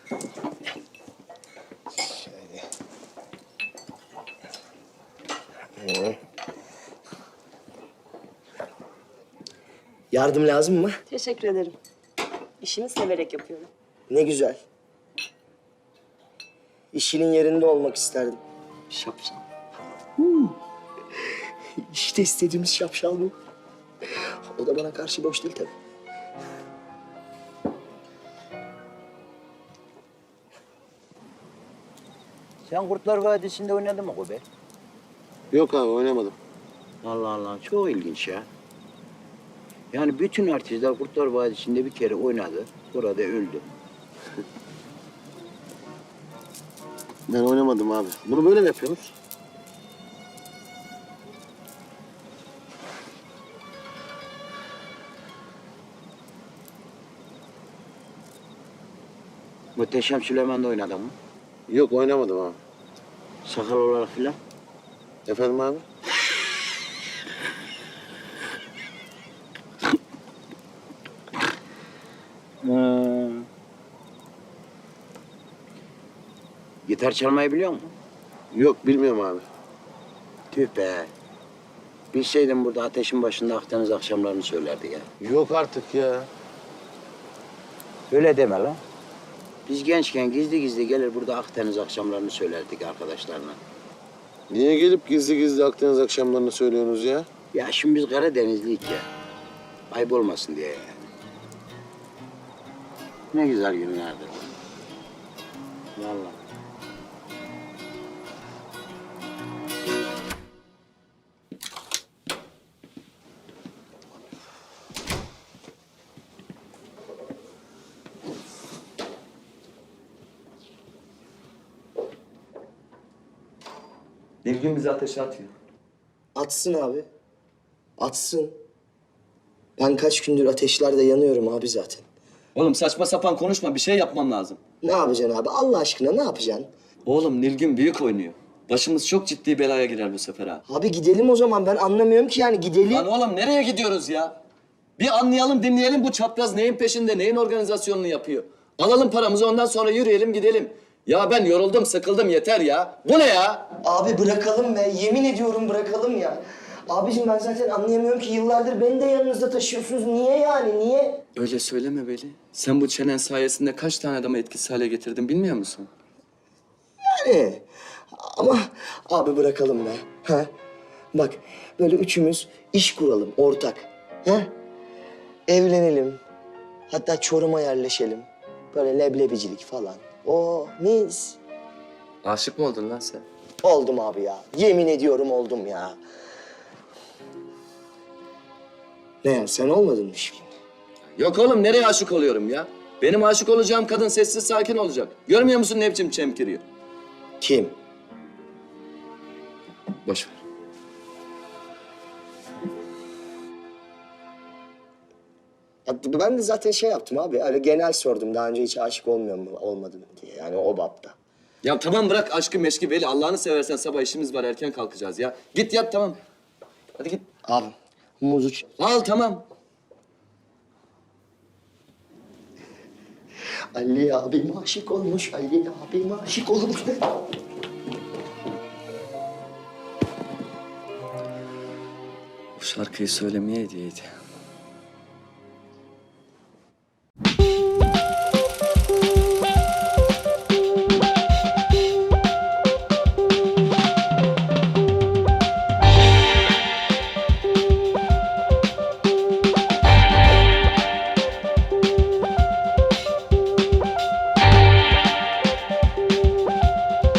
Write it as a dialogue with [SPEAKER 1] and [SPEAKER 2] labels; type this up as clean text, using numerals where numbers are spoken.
[SPEAKER 1] Yardım lazım mı?
[SPEAKER 2] Teşekkür ederim. İşimi severek yapıyorum.
[SPEAKER 1] Ne güzel. İşinin yerinde olmak isterdim. Şapşal. İşte istediğimiz şapşal bu. O da bana karşı boş değil tabii.
[SPEAKER 3] Sen Kurtlar Vadisi'nde oynadın mı Kobe?
[SPEAKER 4] Yok abi oynamadım.
[SPEAKER 3] Allah Allah, çok ilginç ya. Yani bütün artistler Kurtlar Vadisi'nde bir kere oynadı, burada öldü.
[SPEAKER 4] Ben oynamadım abi. Bunu böyle mi yapıyorsunuz?
[SPEAKER 3] Muhteşem Süleyman'da oynadın mı?
[SPEAKER 4] Yok oynamadım abi.
[SPEAKER 3] Sakal olarak filan.
[SPEAKER 4] Efendim abi?
[SPEAKER 3] Gitar çalmayı biliyor musun?
[SPEAKER 4] Yok bilmiyorum abi.
[SPEAKER 3] Tüh be. Bilseydim burada ateşin başında Akdeniz akşamlarını söylerdi ya.
[SPEAKER 4] Yok artık ya.
[SPEAKER 3] Öyle deme lan. Biz gençken gizli gizli gelir burada Akdeniz akşamlarını söylerdik arkadaşlarla.
[SPEAKER 4] Niye gelip gizli gizli Akdeniz akşamlarını söylüyorsunuz ya?
[SPEAKER 3] Ya şimdi biz Karadenizliyik ya. Ayıp olmasın diye yani. Ne güzel günlerdi. Vallahi.
[SPEAKER 5] Nilgün bizi ateşe atıyor.
[SPEAKER 1] Atsın abi. Atsın. Ben kaç gündür ateşlerde yanıyorum abi zaten.
[SPEAKER 5] Oğlum saçma sapan konuşma, bir şey yapmam lazım.
[SPEAKER 1] Ne yapacaksın abi? Allah aşkına ne yapacaksın?
[SPEAKER 5] Oğlum Nilgün büyük oynuyor. Başımız çok ciddi belaya girer bu sefer ha.
[SPEAKER 1] Abi gidelim o zaman. Ben anlamıyorum ki yani gidelim.
[SPEAKER 5] Lan oğlum nereye gidiyoruz ya? Bir anlayalım, dinleyelim bu çapraz neyin peşinde, neyin organizasyonunu yapıyor. Alalım paramızı, ondan sonra yürüyelim, gidelim. Ya ben yoruldum, sıkıldım, yeter ya. Bu ne ya?
[SPEAKER 1] Abi bırakalım be. Yemin ediyorum bırakalım ya. Abicim ben zaten anlayamıyorum ki yıllardır beni de yanınızda taşıyorsunuz. Niye yani? Niye?
[SPEAKER 5] Öyle söyleme Veli. Sen bu çenen sayesinde kaç tane adamı etkisiz hale getirdin bilmiyor musun?
[SPEAKER 1] Yani ama abi bırakalım be. Ha? Bak böyle üçümüz iş kuralım ortak. Ha? Evlenelim. Hatta Çorum'a yerleşelim. Böyle leblebicilik falan. O mis.
[SPEAKER 5] Aşık mı oldun lan sen?
[SPEAKER 1] Oldum abi ya. Yemin ediyorum oldum ya. Ne ya sen olmadın mı şimdi?
[SPEAKER 5] Yok oğlum, nereye aşık oluyorum ya? Benim aşık olacağım kadın sessiz sakin olacak. Görmüyor musun ne biçim çemkiriyor?
[SPEAKER 1] Kim?
[SPEAKER 5] Boş ver.
[SPEAKER 1] Ya ben de zaten şey yaptım abi. Öyle genel sordum. Daha önce hiç aşık olmuyor mu, olmadım diye. Yani o bapta.
[SPEAKER 5] Ya tamam bırak aşkı meşki Veli. Allah'ını seversen sabah işimiz var, erken kalkacağız ya. Git yat tamam. Hadi git.
[SPEAKER 1] Abi muzu
[SPEAKER 5] Al tamam.
[SPEAKER 1] Ali abim aşık olmuş. Ali abim aşık olmuş.
[SPEAKER 5] Bu şarkıyı söylemeye hediyeydi.